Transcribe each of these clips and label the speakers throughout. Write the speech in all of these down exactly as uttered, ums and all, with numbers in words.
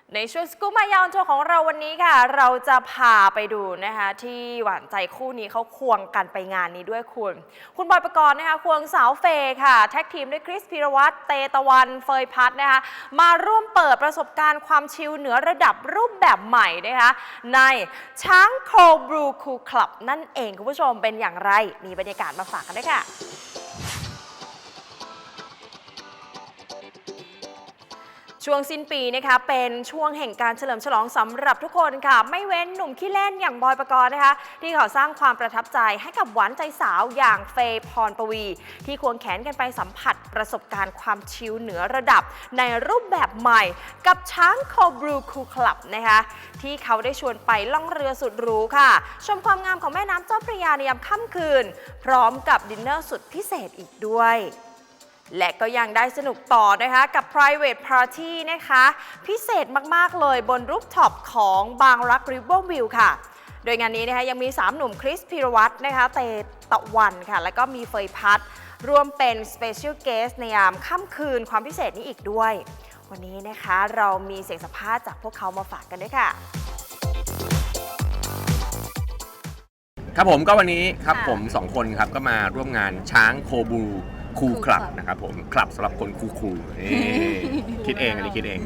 Speaker 1: ในช่วงสกู๊ปมายาวโชว์ของเราวันนี้ค่ะเราจะพาไปดูนะคะที่หวานใจคู่นี้เขาควงกันไปงานนี้ด้วยคุณคุณบอยปกรณ์นะคะควงสาวเฟย์ค่ะแท็กทีมด้วยคริสพีรวัตรเตตะวันเฟยพัฒน์นะคะมาร่วมเปิดประสบการณ์ความชิลเหนือระดับรูปแบบใหม่นะคะในช้างโคบรูคูลคลับนั่นเองคุณผู้ชมเป็นอย่างไรมีบรรยากาศมาฝากกันด้วยค่ะช่วงสิ้นปีนะคะเป็นช่วงแห่งการเฉลิมฉลองสำหรับทุกคนค่ะไม่เว้นหนุ่มขี้เล่นอย่างบอยปกรณ์นะคะที่เขาสร้างความประทับใจให้กับหวานใจสาวอย่างเฟย์พรปวีที่ควงแขนกันไปสัมผัสประสบการณ์ความชิลเหนือระดับในรูปแบบใหม่กับช้างโคบรูคูลคลับนะคะที่เขาได้ชวนไปล่องเรือสุดหรูค่ะชมความงามของแม่น้ำเจ้าพระยาในยามค่ำคืนพร้อมกับดินเนอร์สุดพิเศษอีกด้วยและก็ยังได้สนุกต่อนะคะกับ private party นะคะพิเศษมากๆเลยบนรูฟท็อปของบางรัก River View ค่ะโดยงานนี้นะคะยังมีสามหนุ่มคริสพีรวัตรนะคะเตตะวันค่ะแล้วก็มีเฟยพัฒน์รวมเป็น special guest ในยามค่ำคืนความพิเศษนี้อีกด้วยวันนี้นะคะเรามีเสียงสัมภาษณ์จากพวกเขามาฝากกันด้วยค่ะ
Speaker 2: ครับผมก็วันนี้ครับผมสองคนครับก็มาร่วมงานช้างโคบูคูลคลับนะครับผมคลับสำหรับคนคูลๆคิดเองอันนี้คิดเอง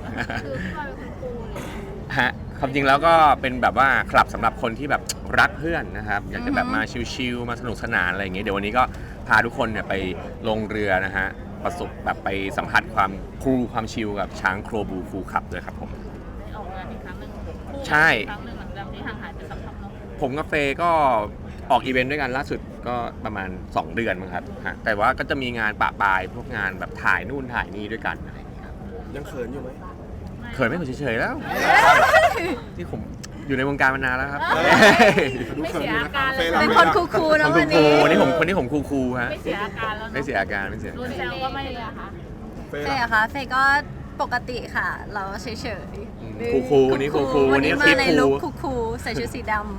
Speaker 2: ฮะความจริงแล้วก็เป็นแบบว่าคลับสำหรับคนที่แบบรักเพื่อนนะครับอยากจะแบบมาชิลๆมาสนุกสนานอะไรอย่างเงี้ยเดี๋ยววันนี้ก็พาทุกคนเนี่ยไปลงเรือนะฮะประสบแบบไปสัมผัสความคูลความชิลกับช้างโคบูคูลคลับด้วยครับผม
Speaker 3: ออกงานอีกครั้งหนึ่ง
Speaker 2: ใช่
Speaker 3: ครั้งหนึ่งหลังจากที่ห่างหายไปสักพักเนาะ
Speaker 2: ผมกับเฟย์ก็ออกอีเวนต์ด้วยกันล่าสุดก็ประมาณสองเดือนมั้งครับแต่ว่าก็จะมีงานปะปายพวกงานแบบถ่ายนู่นถ่ายนี่ด้วยกันอะไรอย่างเงี้ยครับ
Speaker 4: ยังเขินอยู่ไหม
Speaker 2: เขินไม่เขินเฉยๆแล้วที่ผมอยู่ในวงการมานานแล้วครับ
Speaker 3: ไม่เสียอาการเลย
Speaker 1: เป็นคนคูลๆนะวันนี้
Speaker 2: วันนี้ผมคนนี้ผมคูลๆฮะ
Speaker 3: ไม่เสียอาการแล้ว
Speaker 2: ไม่เสียอาการไม่เสีย
Speaker 3: รุนแซวก็ไม่เลยค่ะ
Speaker 5: เฟย์อะคะเฟย์ก็ปกติค่ะเราเฉยๆ
Speaker 2: คูลๆวันนี้คูลๆ
Speaker 5: วันนี้มาในลุคคูลๆใส่ชุดสีดำ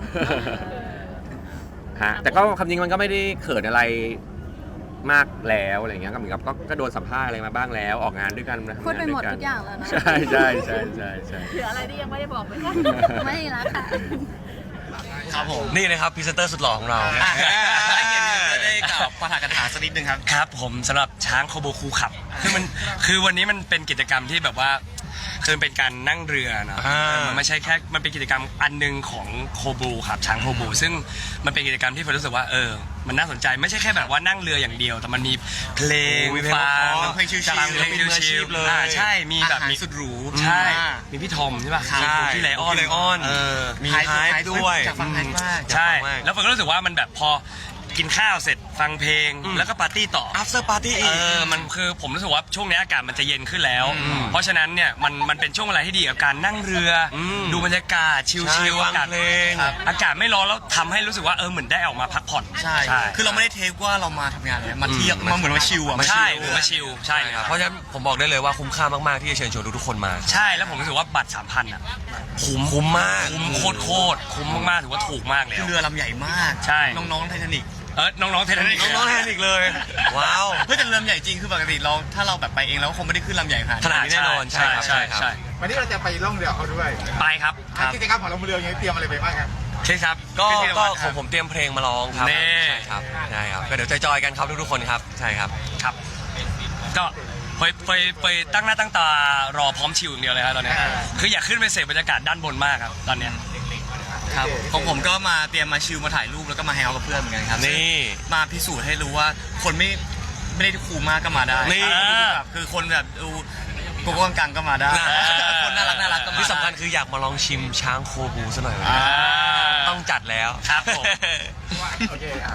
Speaker 2: ฮะแต่ก็คำจริงมันก็ไม่ได้เขินอะไรมากแล้วอะไรเงี้ยก็เหมือนกับก็โดนสัมภาษณ์อะไรมาบ้างแล้วออกงานด้วยกันนะ
Speaker 5: พูดไปหมดทุกอย่างแล้วนะ
Speaker 2: ใช่ใช่ใช่ใช่ใช่
Speaker 3: เหลืออะไรที่ยังไม่ได้บอกไหมคะ
Speaker 5: ไม่ละค่ะ
Speaker 4: ครับผมนี่นะครับพรีเซนเตอร์สุดหล่อของเราให้เกียรติได้กับปาฐกถาสักนิดนึงครับ
Speaker 6: ครับผมสำหรับช้างโคบูคูลคลับคือมันคือวันนี้มันเป็นกิจกรรมที่แบบว่าคือเป็นการนั่งเรือเนาะมันไม่ใช่แค่มันเป็นกิจกรรมอันนึงของโคบูครับช้างโคบูซึ่งมันเป็นกิจกรรมที่ผมรู้สึกว่าเออมันน่าสนใจไม่ใช่แค่แบบว่านั่งเรืออย่างเดียวแต่มันมีเพลงฟัง
Speaker 4: เพลงชิลๆ
Speaker 6: เพลงชิลๆเลยใช่มีแบบมี
Speaker 4: สุดหรู
Speaker 6: ใช่มีพี่ทอมใช่ป่ะ
Speaker 4: ใช่
Speaker 6: พี่ไลออน
Speaker 4: ไลออนมีไฮป์ด้วย
Speaker 6: จากฟังไฮป์มากใช่แล้วผมก็รู้สึกว่ามันแบบพอกินข้าวเสร็จฟังเพลงแล้วก็ปาร์ตี้ต่อ
Speaker 4: after party อีก
Speaker 6: เออมันคือผมรู้สึกว่าช่วงนี้อากาศมันจะเย็นขึ้นแล้วเพราะฉะนั้นเนี่ยมันมันเป็นช่วงเวลาที่ดีกับการนั่งเรือดูบรรยากาศชิลๆอากาศ
Speaker 4: เพลง
Speaker 6: อากาศไม่ร้อนแล้วทำให้รู้สึกว่าเออเหมือนได้ออกมาพักผ่อน
Speaker 4: ใช่คือเราไม่ได้เทคว่าเรามาทำงานเลยมาเที่ยวมาเหมือนมาชิลอ่ะ
Speaker 6: ใช่หรือมาชิลใช่ครับ
Speaker 4: เพราะฉะนั้นผมบอกได้เลยว่าคุ้มค่ามากๆที่จะเชิญชวนทุกๆคนมา
Speaker 6: ใช่แล้วผมรู้สึกว่าบัตร สามพัน อ่ะ
Speaker 4: คุ้มคุ้มมาก
Speaker 6: คุ้มโคตรโคตรคุ้มมากๆถือว่าถูกมากเลย
Speaker 4: คือเรือลำใหญ่มาก
Speaker 6: ใช่
Speaker 4: น้องๆไททานิค
Speaker 6: เออน้องๆเทนนิค
Speaker 4: น้องๆเทนนิคเลยว้าวเพื่อจะเรือใหญ่จริงคือปกติเราถ้าเราแบบไปเองเราคงไม่ได้ขึ้นลำใหญ่ขนาดนี้
Speaker 6: แน่นอนใช่ใช่ใช่
Speaker 7: วันนี้เราจะไปล่องเรือเขาด้วย
Speaker 6: ไปครับ
Speaker 7: กิจกรรมของเราเรือยังเตรียมอะไรไปบ้างครับ
Speaker 6: ใช่ครับ
Speaker 4: ก็ก็ของผมเตรียมเพลงมาร้องครับ
Speaker 6: ใช่
Speaker 4: ครับใช่ครับก็เดี๋ยวจอยๆกันครับทุกๆคนครับใช่ครับ
Speaker 6: ครับก็ไปไปไปตั้งหน้าตั้งตารอพร้อมชิวอย่างเดียวเลยครับตอนนี้คืออยากขึ้นไปเสพบรรยากาศด้านบนมากครับตอนเนี้ย
Speaker 4: ครับของผมก็มาเตรียมมาชิลมาถ่ายรูปแล้วก็มาแฮงเอาท์กับเพื่อนเหมือนกันครับ
Speaker 6: นี่
Speaker 4: มาพิสูจน์ให้รู้ว่าคนไม่ไม่ได้คูลมากก็มาได้
Speaker 6: นี่
Speaker 4: แบบคือคนแบบดูโกโก้กังก็มาได้คนน่ารักน่ารักก็มาที่สำคัญคืออยากมาลองชิมช้างโคบูซะหน่อยต้องจัดแล้ว
Speaker 6: ครับผม
Speaker 7: โอเคครับ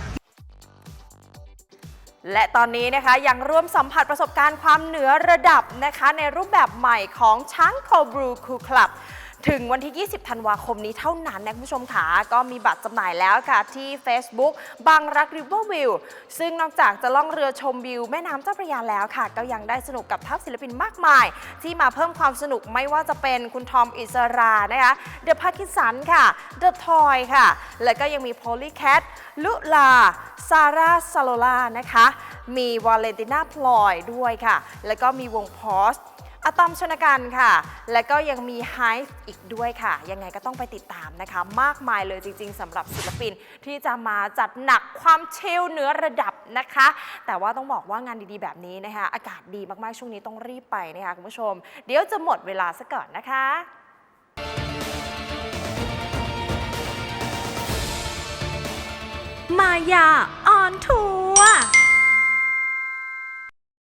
Speaker 1: และตอนนี้นะคะยังร่วมสัมผัสประสบการณ์ความเหนือระดับนะคะในรูปแบบใหม่ของช้างโคบรูคูลคลับถึงวันที่ยี่สิบธันวาคมนี้เท่านั้นนะคุณผู้ชมค่ะก็มีบัตรจำหน่ายแล้วค่ะที่ Facebook บางรัก River View ซึ่งนอกจากจะล่องเรือชมวิวแม่น้ำเจ้าพระยาแล้วค่ะก็ยังได้สนุกกับทัพศิลปินมากมายที่มาเพิ่มความสนุกไม่ว่าจะเป็นคุณทอมอิสรานะคะเดอะพาคินสันค่ะเดอะทอยค่ะแล้วก็ยังมีโพลีแคทลุลาซาร่าซาโลล่านะคะมีวาเลนติน่าพลอยด้วยค่ะแล้วก็มีวงพอสอะตอมชนกันค่ะ และก็ยังมี Hive อีกด้วยค่ะ ยังไงก็ต้องไปติดตามนะคะ มากมายเลยจริงๆสำหรับศิลปินที่จะมาจัดหนักความชิลเหนือระดับนะคะ แต่ว่าต้องบอกว่างานดีๆแบบนี้นะคะ อากาศดีมากๆช่วงนี้ต้องรีบไปนะคะคุณผู้ชม เดี๋ยวจะหมดเวลาซะก่อนนะคะ
Speaker 8: มายาออนทั